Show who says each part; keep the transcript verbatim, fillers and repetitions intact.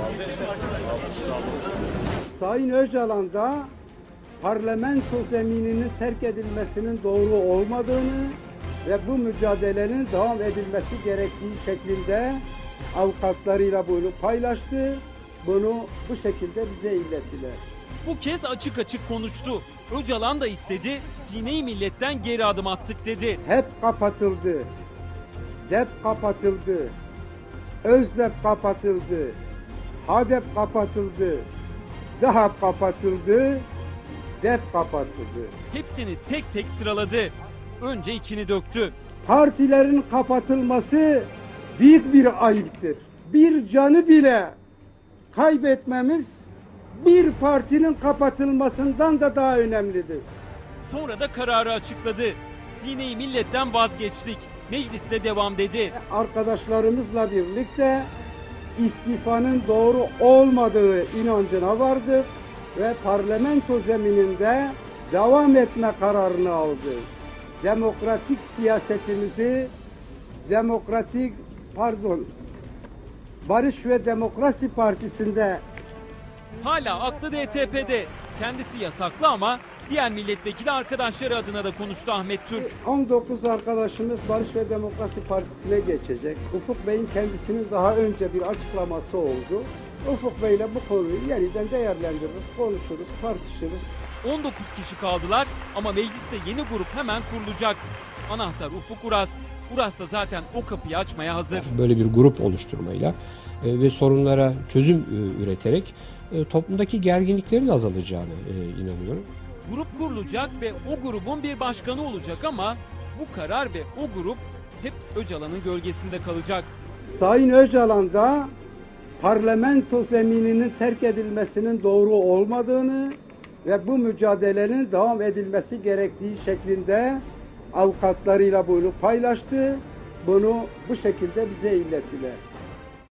Speaker 1: Sayın Öcalan da parlamento zemininin terk edilmesinin doğru olmadığını ve bu mücadelenin devam edilmesi gerektiği şeklinde avukatlarıyla bunu paylaştı. Bunu bu şekilde bize ilettiler.
Speaker 2: Bu kez açık açık konuştu. Öcalan da istedi, Sine-i Millet'ten geri adım attık dedi.
Speaker 1: Hep kapatıldı. D E P kapatıldı. Özdep kapatıldı. HADEP kapatıldı. DAHAP kapatıldı. D E P kapatıldı.
Speaker 2: Hepsini tek tek sıraladı. Önce içini döktü.
Speaker 1: Partilerin kapatılması büyük bir ayıptır. Bir canı bile kaybetmemiz bir partinin kapatılmasından da daha önemlidir.
Speaker 2: Sonra da kararı açıkladı. Sine-i Millet'ten vazgeçtik. Mecliste devam dedi.
Speaker 1: Arkadaşlarımızla birlikte istifanın doğru olmadığı inancına vardık ve parlamento zemininde devam etme kararını aldı. Demokratik siyasetimizi, demokratik pardon, Barış ve Demokrasi Partisi'nde
Speaker 2: Hala aklı D T P'de. Kendisi yasaklı ama diğer milletvekili arkadaşları adına da konuştu Ahmet Türk.
Speaker 1: on dokuz arkadaşımız Barış ve Demokrasi Partisi'ne geçecek. Ufuk Bey'in kendisinin daha önce bir açıklaması oldu. Ufuk Bey'le bu konuyu yeniden değerlendiririz, konuşuruz, tartışırız.
Speaker 2: on dokuz kişi kaldılar ama mecliste yeni grup hemen kurulacak. Anahtar Ufuk Uras. Uras da zaten o kapıyı açmaya hazır.
Speaker 3: Böyle bir grup oluşturmayla e, ve sorunlara çözüm e, üreterek e, toplumdaki gerginliklerin azalacağını e, inanıyorum.
Speaker 2: Grup kurulacak ve o grubun bir başkanı olacak ama bu karar ve o grup hep Öcalan'ın gölgesinde kalacak.
Speaker 1: Sayın Öcalan da parlamento zemininin terk edilmesinin doğru olmadığını ve bu mücadelenin devam edilmesi gerektiği şeklinde avukatlarıyla bunu paylaştı. Bunu bu şekilde bize ilettiler.